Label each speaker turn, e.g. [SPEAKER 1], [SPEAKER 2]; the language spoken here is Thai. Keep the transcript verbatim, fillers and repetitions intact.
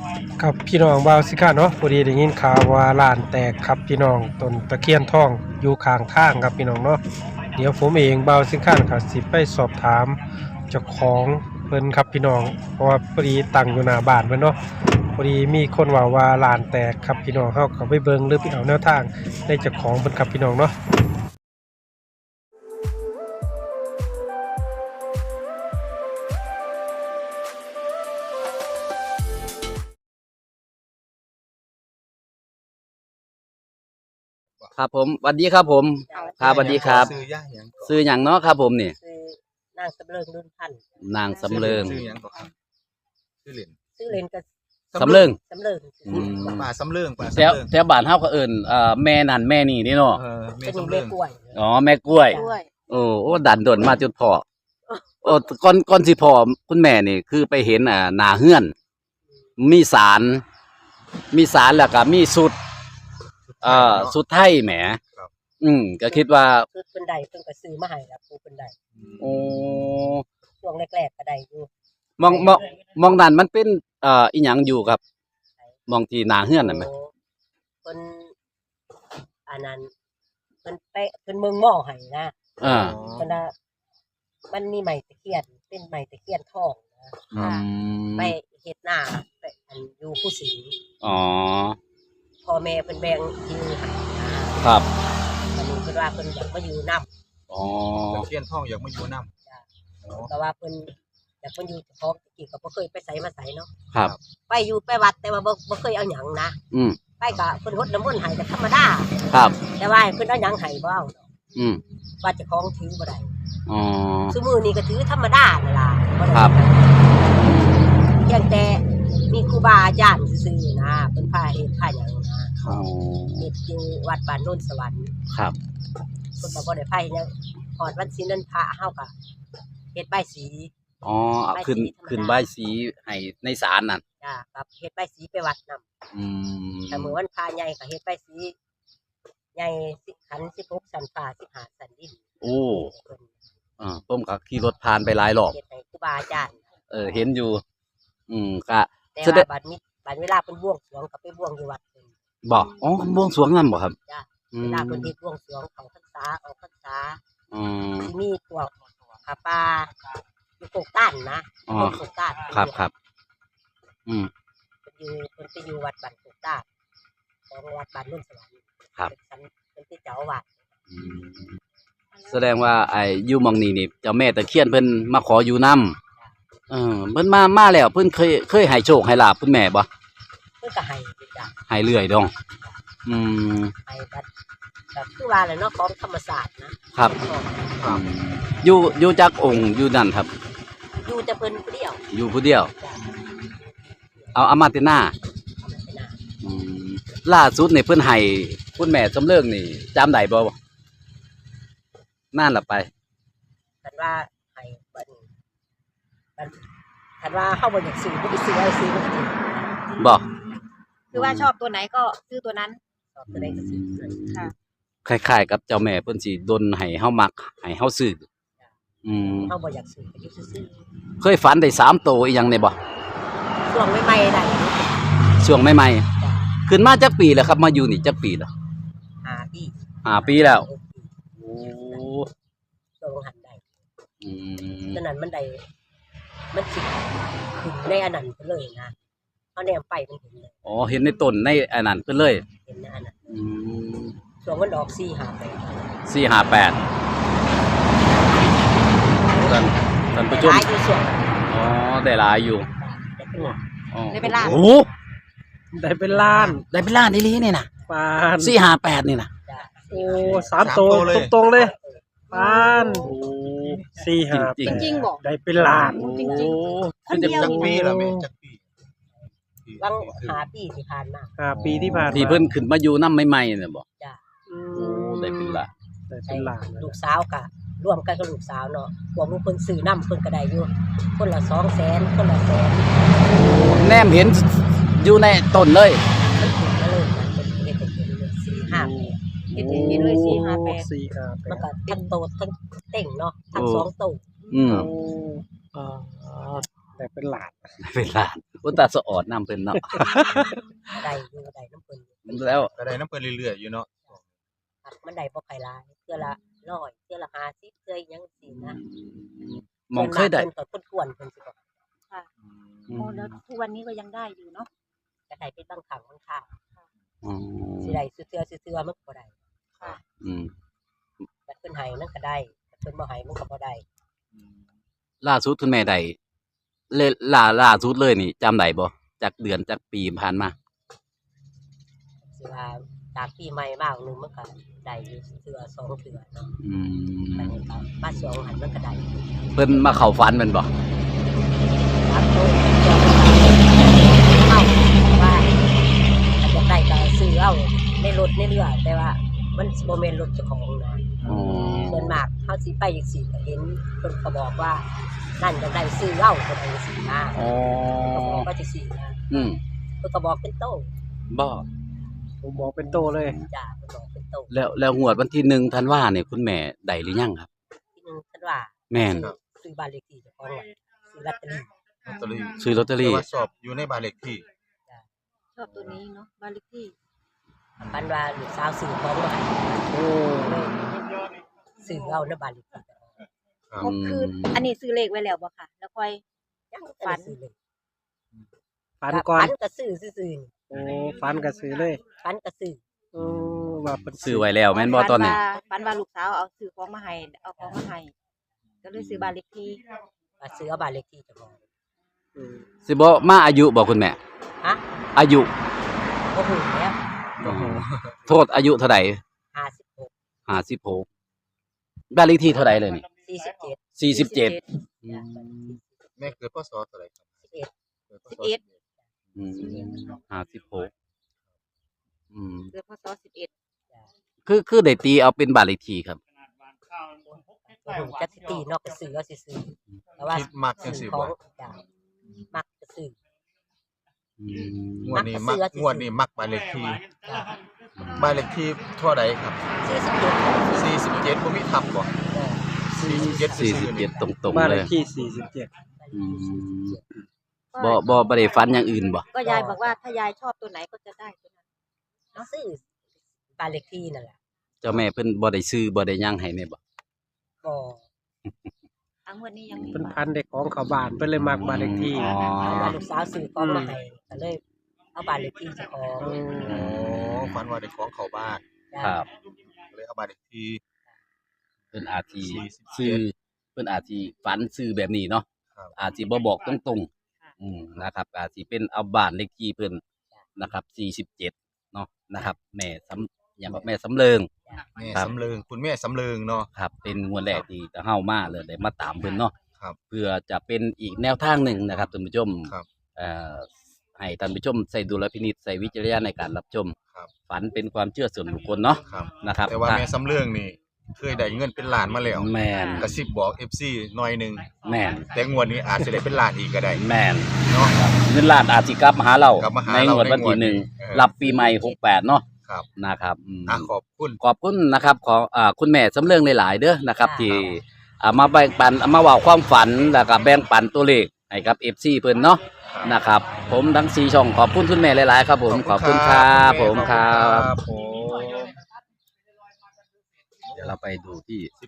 [SPEAKER 1] ครับพี่น้องบ่าวสิค่ะเนาะพอดีได้ยินข่าวว่าร้านแตกครับพี่น้องต้นตะเคียนทองอยู่ข้างทางครับพี่น้องเนาะเดี๋ยวผมเองบ่าวสิค่ะครับสิไปสอบถามเจ้าของเพิ่นครับพี่น้องเพราะว่าพอดีตั้งอยู่หน้าบ้านเพิ่นเนาะพอดีมีคนว่าว่าร้านแตกครับพี่น้องเฮาก็ไปเบิ่งหรือไปเอาแนวทางในเจ้าของเพิ่นครับพี่น้องเนาะ
[SPEAKER 2] ครับผมสวัสดีครับผมครับสวัสดีครับ
[SPEAKER 3] ซื้อย่างหยังก่อน
[SPEAKER 2] ซื้อหยังเนาะครับผมนี่
[SPEAKER 4] คือนางสำเริงรุ่นพันธุ์
[SPEAKER 2] นางสำเริง
[SPEAKER 3] ซื้อหยังก่อนครับซื้อเหรียญ
[SPEAKER 4] ชื่อเล่นก็
[SPEAKER 2] สำเริง
[SPEAKER 4] สำเริง
[SPEAKER 2] อืม
[SPEAKER 3] ป่าสำเริงป่า
[SPEAKER 2] แถ
[SPEAKER 3] สำ
[SPEAKER 2] ว
[SPEAKER 3] เริง
[SPEAKER 2] แถวบ้านเฮาก็เอิ้นเอ่อแม่นั่นแม่นี่นี่เนาะ
[SPEAKER 3] เออเม
[SPEAKER 4] เป็น
[SPEAKER 3] สำ
[SPEAKER 4] เม
[SPEAKER 3] เริง
[SPEAKER 4] กล้วย
[SPEAKER 2] อ๋อแม่กล้วย
[SPEAKER 4] กล้วย
[SPEAKER 2] โอ้โอ้ดันดนมาจนพอโอ้ก่อนก่อนสิพอคุณแม่นี่คือไปเห็นอ่าหน้าเฮือน มีศาลมีศาลแล้วก็มีสุดเอ่อสุดไทยแหมอืมก็คิดว่า
[SPEAKER 4] คือเป็นใดเพิ่นก็ซื้อมาให้แล้วปูเป็นใด
[SPEAKER 2] โอ้
[SPEAKER 4] ช่วงแรกๆก็ได้อยู่
[SPEAKER 2] มองมองมองนั่นมันเป็นเอ่ออีหยังอยู่ครับ มองที่หน้าเฮือนนั่นไหม
[SPEAKER 4] โเพิ่นอันนั้นเพิ่นไปเพิ่นเมืองหม้อให้นะ
[SPEAKER 2] อ่า
[SPEAKER 4] เพิ่นน่ะมันมีไม้ตะเคียนเป็นไม้ตะเคียนทองนะ
[SPEAKER 2] อืม
[SPEAKER 4] ไปเฮ็ดหน้าไปอันอยู่ผู้สิงห์
[SPEAKER 2] อ๋อ
[SPEAKER 4] พ่อแม่เพิ่นแบ่งที่ให้นะครับ อันนี้เพิ่นว่าเพิ่นอยากมาอยู่นำ
[SPEAKER 2] อ๋อ
[SPEAKER 3] ตะเคียนทองอยากมาอยู่น้ำ
[SPEAKER 4] จ้ะแต่ว่าเพิ่นอยากเพิ่นอยู่เจ้าของตะกี้ก็บ่เคยไปไสมาไสเนาะ
[SPEAKER 2] ครับ
[SPEAKER 4] ไปอยู่ไปวัดแต่ว่าบ่บ่เคยเอาหยังนะ
[SPEAKER 2] อืม
[SPEAKER 4] ไปก็เพิ่นรดน้ำมนต์ให้ก็ธรรมดา
[SPEAKER 2] ครับ
[SPEAKER 4] แต่ว่าเพิ่นเอาหยังให้บ่เอาดอก
[SPEAKER 2] อืม
[SPEAKER 4] ว่าเจ้าของถือบ่ได้
[SPEAKER 2] อ๋อ
[SPEAKER 4] ซุมื้อนี้ก็ถือธรรมดานั่นล่ะบ่ได้
[SPEAKER 2] ครับ
[SPEAKER 4] เพียงแต่มีครูบาอาจารย์ซื่อๆนะเพิ่นพาเฮ็ดพาหยังนะ
[SPEAKER 2] อ๋อ
[SPEAKER 4] เฮ็ดอยู่วัดบ้านโนนสวรรค์
[SPEAKER 2] ครับ
[SPEAKER 4] เพิ่นก็บ่ได้พาเฮ็ดหยังฮอดวันศีลนั้นพระเฮาก็เฮ็ดใบายสี
[SPEAKER 2] อ๋อเอาขึ้น
[SPEAKER 4] ใบสีธรรมดา
[SPEAKER 2] ขึ้นใบายสีให้ในศาลนั่น
[SPEAKER 4] จ้ะกับเฮ็ดใบายสีไปวัดนำ
[SPEAKER 2] อืม
[SPEAKER 4] แต่มื้อวันพระใหญ่ก็เฮ็ดใบายสีใหญ่สิบขันสิบหกสันฟ้าสิบห้าสันดิน
[SPEAKER 2] โอ้
[SPEAKER 4] เพิ่น
[SPEAKER 2] อ่าผมก็ขี่รถผ่านไปหลายรอบ
[SPEAKER 4] เฮ็ดให้ครูบาอาจารย์
[SPEAKER 2] เออ เห็นอยู่ อืมก็
[SPEAKER 4] แต่
[SPEAKER 2] แสดง
[SPEAKER 4] ว่าบัดนี้บัดเวลาเพิ่นบวงสรวงก็ไปบวงอยู่วัดเพิ่น
[SPEAKER 2] บอกอ๋อบวงสรวงนั่นบ่ครับ
[SPEAKER 4] จ้ะ
[SPEAKER 2] อื
[SPEAKER 4] เว
[SPEAKER 2] ม
[SPEAKER 4] ลาเพิ่นเฮ็ดบวงสรวงเข้าพรรษาออกพรรษา
[SPEAKER 2] อืม
[SPEAKER 4] สิมีพวกผาป่าอยู่โกกต้านนะ
[SPEAKER 2] อ๋อ
[SPEAKER 4] คนโกกต้าน
[SPEAKER 2] ครับครับ อืม
[SPEAKER 4] เพิ่นอยู่เพิ่นไปอยู่วัดบ้านโกกต้านของวัดบ้านนุ่นสวรรค์
[SPEAKER 2] ครับ
[SPEAKER 4] เป็นสันเพิ่นเป็นเจ้าอาวาส
[SPEAKER 2] อืมแสดงว่าไอ้อยู่หมองนี้นี่เจ้าแม่ตะเคียนเพิ่นมาขออยู่นำเออเพิ่นมามาแล้วเพิ่นเคยเคยให้โชคให้ลาภคุณแม่บ่
[SPEAKER 4] เพิ่นก็ให้อยู่จ้ะ
[SPEAKER 2] ให้เรื่อยดอง อืม
[SPEAKER 4] ให้บัดก็คือว่าแหละเนาะของธรรมศาสตร์นะครับ
[SPEAKER 2] อืมอยู่อยู่จักองค์อยู่นั่นครับ
[SPEAKER 4] อยู่แต่เพิ่นผู้เดียว
[SPEAKER 2] อยู่ผู้เดียว
[SPEAKER 4] จ้ะ
[SPEAKER 2] เอาอามาตินา
[SPEAKER 4] เอามาเป็นหน้า
[SPEAKER 2] อืมล่าสุดนี่เพิ่นให้คุณแม่สำเริงนี่จำได้บ่นานละไป
[SPEAKER 4] คันว่าให้บัดนี้บัดคันว่าเฮาบ่อยากซื้อบ่ไปซื้อเอาซื้อบ่ได้
[SPEAKER 2] บ่
[SPEAKER 5] คือว่าชอบตัวไหนก็ซื้อตัวนั้น
[SPEAKER 4] ชอบตัวใดก็ซื้อตัวนั้น
[SPEAKER 5] ค่ะ
[SPEAKER 2] คล้ายๆกับเจ้าแม่เพิ่นสิดลให้เฮามักให้เฮาซื้ออืม
[SPEAKER 4] เฮาบ่อยากซื้อก็อยู่ซื่อ
[SPEAKER 2] เคยฝันได้สามโตอีหยังได้บ่
[SPEAKER 4] ๆช่วงใหม่ๆได้
[SPEAKER 2] ช่วงใหม่
[SPEAKER 4] จ้ะ
[SPEAKER 2] ๆขึ้นมาจักปีแล้วครับมาอยู่นี่จักปีแล้ว
[SPEAKER 4] ห้าปี
[SPEAKER 2] ห้าปีแล้วโอ้
[SPEAKER 4] ช่วงหันได้
[SPEAKER 2] อืม
[SPEAKER 4] ฉะนั้นมันได้มันสิขึ้นในอันนั้นไปเลยนะเฮาแนมไปมันเห็นเลย
[SPEAKER 2] อ๋อเห็นในต้นในอันนั้นเพิ่นเลย
[SPEAKER 4] เห็นในอันนั้น
[SPEAKER 2] อืม
[SPEAKER 4] ช่วงมันออกสี่ห้าไป
[SPEAKER 2] สี่ ห้า แปดท่านท่านผู้ชม
[SPEAKER 4] หลายอยู่ส่วน
[SPEAKER 2] อ๋อได้หลายอยู่
[SPEAKER 4] ได้เป็นหลัก
[SPEAKER 2] อ๋อ
[SPEAKER 5] ได้เป็นล้าน
[SPEAKER 2] โอ้
[SPEAKER 1] ได้เป็นล้าน
[SPEAKER 2] ได้เป็นล้านอีหลีนี่น่ะ
[SPEAKER 1] ปาน
[SPEAKER 2] สี่ ห้า แปดนี่น่ะ
[SPEAKER 4] จ้ะ
[SPEAKER 1] โอ้สามโตตรงๆเลยปานสี่ห้า
[SPEAKER 2] จริ
[SPEAKER 5] จ
[SPEAKER 2] ง
[SPEAKER 5] ริงๆบอก
[SPEAKER 1] ได้เป็นล้าน
[SPEAKER 5] จริง
[SPEAKER 2] ๆคือจะ
[SPEAKER 5] คนเดียว
[SPEAKER 3] จักปีละแม่จักปี
[SPEAKER 4] บางหาปีที่ผ่านมา
[SPEAKER 1] ห้าปีที่ผ่านมา
[SPEAKER 2] ที่เพิ่นขึ้นมาอยู่นำใหม่ๆน่ะบ่
[SPEAKER 4] จ้ะ
[SPEAKER 1] อื
[SPEAKER 2] โอ้
[SPEAKER 1] ม
[SPEAKER 2] ได้เป็นล้าน
[SPEAKER 1] ได้เป็นล้าน
[SPEAKER 4] ลูกสาวก็ร่วมกันกับลูกสาวเนาะพวกมึงเพิ่นซื้อน้ำเพิ่นก็ได้อยู่คนละสองแสนคนละแสน
[SPEAKER 2] แนมเห็นอยู่ในต้นเลย
[SPEAKER 4] มันถึงมาเลยนะเป็นเฮ็ดให้เห็นเลยสี่ห้าแปด
[SPEAKER 5] เห็นเห็นเลยสี่ห้าแปด
[SPEAKER 1] สี่ห้าแป
[SPEAKER 4] มัน
[SPEAKER 1] ด
[SPEAKER 4] ก็ทั้งโตทั้งเต่งเนาะทั้ง
[SPEAKER 2] โอ้
[SPEAKER 4] สองโต
[SPEAKER 2] อืม
[SPEAKER 1] โอ้อ่าแต่เป็นหลาน
[SPEAKER 2] เป็นล้านอุตตาสะออดนำเพิ่นเนาะ
[SPEAKER 4] ได้อยู่ได้น้ำเพิ่นอยู่
[SPEAKER 2] แล้ว
[SPEAKER 3] ก็ได้น้ำเพิ่นเรื่อยๆอยู่เนาะ
[SPEAKER 4] ครับมันได้บ่ไผหลายเทื่อละร้อยเทื่อละห้าสิบเทื่อหยังซี่นะ
[SPEAKER 2] มองเคยได้
[SPEAKER 4] เพิ่นก็คนกวนเพิ่นสิบอก
[SPEAKER 5] ค่ะ
[SPEAKER 2] อื
[SPEAKER 5] โอ้
[SPEAKER 2] ม
[SPEAKER 5] แล้วทุกวันนี้ก็ยังได้อยู่เนาะ
[SPEAKER 4] ก็ได้เป็นบางครั้งบางคราว
[SPEAKER 2] อ๋อ
[SPEAKER 4] สิได้ซื้อเทื่อซื้อเทื่อมันก็บ่ได้
[SPEAKER 2] อืม
[SPEAKER 4] บัดเพิ่นให้มันก็ได้บัดเพิ่นบ่ให้มันก็บ่ได้
[SPEAKER 2] ล่าสุดคุณแม่ได้เลยล่าล่าสุดเลยนี่จำได้บ่จากเดือนจากปีผ่านมา
[SPEAKER 4] สิว่าจากปีใหม่มาหนึงมันก็ได้อยู่เทื่อสองเทื่อเนาะ
[SPEAKER 2] อืม
[SPEAKER 4] บัดนี้ก็มาสองหันมันก็ได้
[SPEAKER 2] เพิ่นมาเข้าฝันแม่นบ่
[SPEAKER 4] ครับโตเอาว่าถ้าจะได้ก็ซื้อเอาในรถในเรือแต่ว่ามันบ่แม่นรถเจ้าของนะ
[SPEAKER 2] อ๋อ
[SPEAKER 4] ส่วนมากเขาสิไปจังซี่ก็เห็นเพิ่นก็บอกว่านั่นจะได้ซื้อเหล้าเพิ่นว่าจังซี่นะ
[SPEAKER 2] อ๋อ
[SPEAKER 4] ก็บอกว่าจังซี่นะ
[SPEAKER 2] อืม
[SPEAKER 4] เพิ่นก็บอกเป็นโต
[SPEAKER 2] บ่
[SPEAKER 1] ผมบอกเป็นโตเลย
[SPEAKER 4] จ้าเพิ่นบอกเป็นโต
[SPEAKER 2] แล้วแล้วงวดวันที่หนึ่งธันวาเนี่ยคุณแม่ได้หรือยังครับ
[SPEAKER 4] ที่นึงเพิ่นว่า
[SPEAKER 2] แม่น
[SPEAKER 4] ซื้อซื้อบ้านเลขที่เจ้าของไว้ซื้อลอตเตอรี่
[SPEAKER 3] ลอตเตอรี่
[SPEAKER 2] ซื้อลอตเตอ
[SPEAKER 3] แต่
[SPEAKER 2] รี่
[SPEAKER 3] ว่าสอบอยู่ในบ้านเลขที่
[SPEAKER 5] ชอบตัวนี้เนาะบ้านเลขที่
[SPEAKER 4] ปันว่าลูกสาวซื้อของมาให้
[SPEAKER 1] โอ้
[SPEAKER 4] เลยซื้อเอาในบ้านเลขที่เจ้าของ
[SPEAKER 3] ครับ
[SPEAKER 5] ก็คืออันนี้ซื้อเลขไว้แล้วบ่ค่ะ แล้วค่อย
[SPEAKER 4] ยัง
[SPEAKER 5] ฝั
[SPEAKER 4] ฝั
[SPEAKER 5] น
[SPEAKER 4] นซื้อเลย
[SPEAKER 1] ฝันก่อน
[SPEAKER 4] ฝันก็ซื้อซื่อ
[SPEAKER 1] โอ้ฝันก็ซื้อเลย
[SPEAKER 4] ๆฝันก็ซื้อ
[SPEAKER 1] โอ้ว่าเป็น
[SPEAKER 2] ซื้อไว้แล้วแม่นบ่ตอนนี้
[SPEAKER 5] ฝันว่าลูกสาวเอาซื้อของมาให้เอาของมาให้ก็เลยซื้อบ้านเลขที่
[SPEAKER 4] ว่าซื้อเอาบ้านเลขที่เจ้าของ
[SPEAKER 1] อืม
[SPEAKER 2] สิบ่มาอายุบ่คุณแม่
[SPEAKER 4] ฮะ
[SPEAKER 2] อายุ
[SPEAKER 4] บ่ฮู้แล้ว
[SPEAKER 2] โทษอายุเท่าใด
[SPEAKER 4] ห้าสิบหก
[SPEAKER 2] ห้าสิบหกบ้านเลขที่เท่าใดเลยนี่
[SPEAKER 4] สี่สิบเจ็ด
[SPEAKER 2] สี่สิบเจ็ด
[SPEAKER 3] แม่เกิดพศเท่าไหร่ครับ
[SPEAKER 4] สิบเอ็ด
[SPEAKER 3] เกิดพศ
[SPEAKER 5] สิบเอ็ด
[SPEAKER 2] อืมห้าสิบหกอืม
[SPEAKER 5] เกิดพศสิบเอ็ด
[SPEAKER 2] คือคือได้ตีเอาเป็นบ้านเลขที่ครับ
[SPEAKER 4] บ่ฮู้จักสิตีนอกก็ซื้อเอาซื่อๆแต่ว่า
[SPEAKER 3] คิดมักจัง
[SPEAKER 4] ซื้
[SPEAKER 3] ซี่
[SPEAKER 4] อขอ
[SPEAKER 3] บ่
[SPEAKER 4] งจ้ะมักก็ซื้อ
[SPEAKER 2] อืม
[SPEAKER 3] งวดนี้มัก
[SPEAKER 4] มักจะซื้อ
[SPEAKER 3] งวดนี้มักบ้านเลขที่
[SPEAKER 4] จ้ะ
[SPEAKER 3] บ้านเลขที่เท่าใดครับ
[SPEAKER 4] สี่สิบเจ็ด
[SPEAKER 3] สี่สิบเจ็ดบ่มีทับบ่สี่สิบเจ็ด
[SPEAKER 2] สี่
[SPEAKER 3] ซื่
[SPEAKER 2] สิบ
[SPEAKER 3] อๆ
[SPEAKER 2] เจ็
[SPEAKER 3] นี่
[SPEAKER 2] ดตรง
[SPEAKER 1] บ้า
[SPEAKER 2] ๆ
[SPEAKER 1] น
[SPEAKER 2] เล
[SPEAKER 1] เลย ขที่สี่สิบเจ็ด
[SPEAKER 2] อืมบ่บ่บ่ได้ฝันอย่างอื่นบ่
[SPEAKER 5] ก็ยายบอกว่าถ้ายายชอบตัวไหนก็จะได้ตัวนั้น
[SPEAKER 4] ซื้อบ้านเลขที่นั่นแหละ
[SPEAKER 2] เจ้าแม่เพิ่นบ่ได้ซื้อบ่ได้หยังให้แม่บ่
[SPEAKER 4] ก็
[SPEAKER 5] ทั้งวันนี้ยังมี
[SPEAKER 1] เป็นพันเด็กของเขาบ้านเพิ่นเลยมักบ้านเลขที่
[SPEAKER 2] อ๋อ
[SPEAKER 4] เอาว่าลูกสาวซื้อของมาให้ก็เลยเอาบ้านเลขที่เจ้าของ
[SPEAKER 1] โอ้
[SPEAKER 3] อ๋อฝันว่าได้ของเข้าบ้าน
[SPEAKER 4] จ้ะ
[SPEAKER 2] ครับ
[SPEAKER 3] เลยเอาบ้านเลขที่
[SPEAKER 2] เพิ่นอาจสิ
[SPEAKER 3] สี่สิบเจ็ด
[SPEAKER 2] ซื้อเพิ่นอาจสิฝันซื้อแบบนี้เนาะ
[SPEAKER 3] ครับ
[SPEAKER 2] อาจสิบ่บอกตรงๆอืมนะครับอาจสิเป็นเอาบ้านเลขที่เพิ่นนะครับสี่สิบเจ็ดเนาะนะครับ แม่สำอย่างว่าแม่สำเริง
[SPEAKER 3] แม่
[SPEAKER 2] ครับ
[SPEAKER 3] สำเริงคุณแม่สำเริงเนาะ
[SPEAKER 2] ครับ เป็นงวดแรกที่จะเฮามาเลยได้มาตามเพิ่นเนาะ
[SPEAKER 3] ครับ
[SPEAKER 2] เพื่อจะเป็นอีกแนวทางหนึ่งนะครับท่านผู้ชม
[SPEAKER 3] ครับ
[SPEAKER 2] เอ่อให้ท่านผู้ชมใส่ดุลพินิจใส่วิจารณญาณในการรับชม
[SPEAKER 3] ครับ
[SPEAKER 2] ฝันเป็นความเชื่อส่วนบุคคลเนาะ
[SPEAKER 3] ครับ
[SPEAKER 2] นะครับ
[SPEAKER 3] แต่ว่าแม่สำเริงนี่เคยได้เงินเป็นล้านมาแล้ว
[SPEAKER 2] แมน
[SPEAKER 3] กระซิบบอก เอฟ ซี หน่อยหนึง
[SPEAKER 2] แมน
[SPEAKER 3] แต่งวดนี้อาจจะได้เป็นล้านอีกก็ได้
[SPEAKER 2] แมน
[SPEAKER 3] เนาะ
[SPEAKER 2] เงินล้านอาจสิกลับมาหาเรา
[SPEAKER 3] กลับมาหา
[SPEAKER 2] ใน
[SPEAKER 3] เรา
[SPEAKER 2] งวดวันที่หนึ่ง
[SPEAKER 3] ในงวดนี้เออ
[SPEAKER 2] รับปีใหม่หกแปดเนาะ
[SPEAKER 3] ครับ
[SPEAKER 2] นะครับอืม
[SPEAKER 3] อ่ะขอบคุณ
[SPEAKER 2] ขอบคุณนะครับขออ่าคุณแม่สำเริงหลายๆเด้อนะครับ
[SPEAKER 4] ครับ
[SPEAKER 2] ที่อ่ามาแบ่งปันมาเว่าความฝันแล้วก็แบ่งปันตัวเลขให้กับ เอฟ ซี เพิ่นเนาะ
[SPEAKER 3] ครับ
[SPEAKER 2] นะครับ ผมทั้งสี่ช่องขอบคุณคุณแม่หลายๆครับผมขอบคุณครับผมครับ
[SPEAKER 3] ผม
[SPEAKER 2] เดี๋ยวเราไปดูที่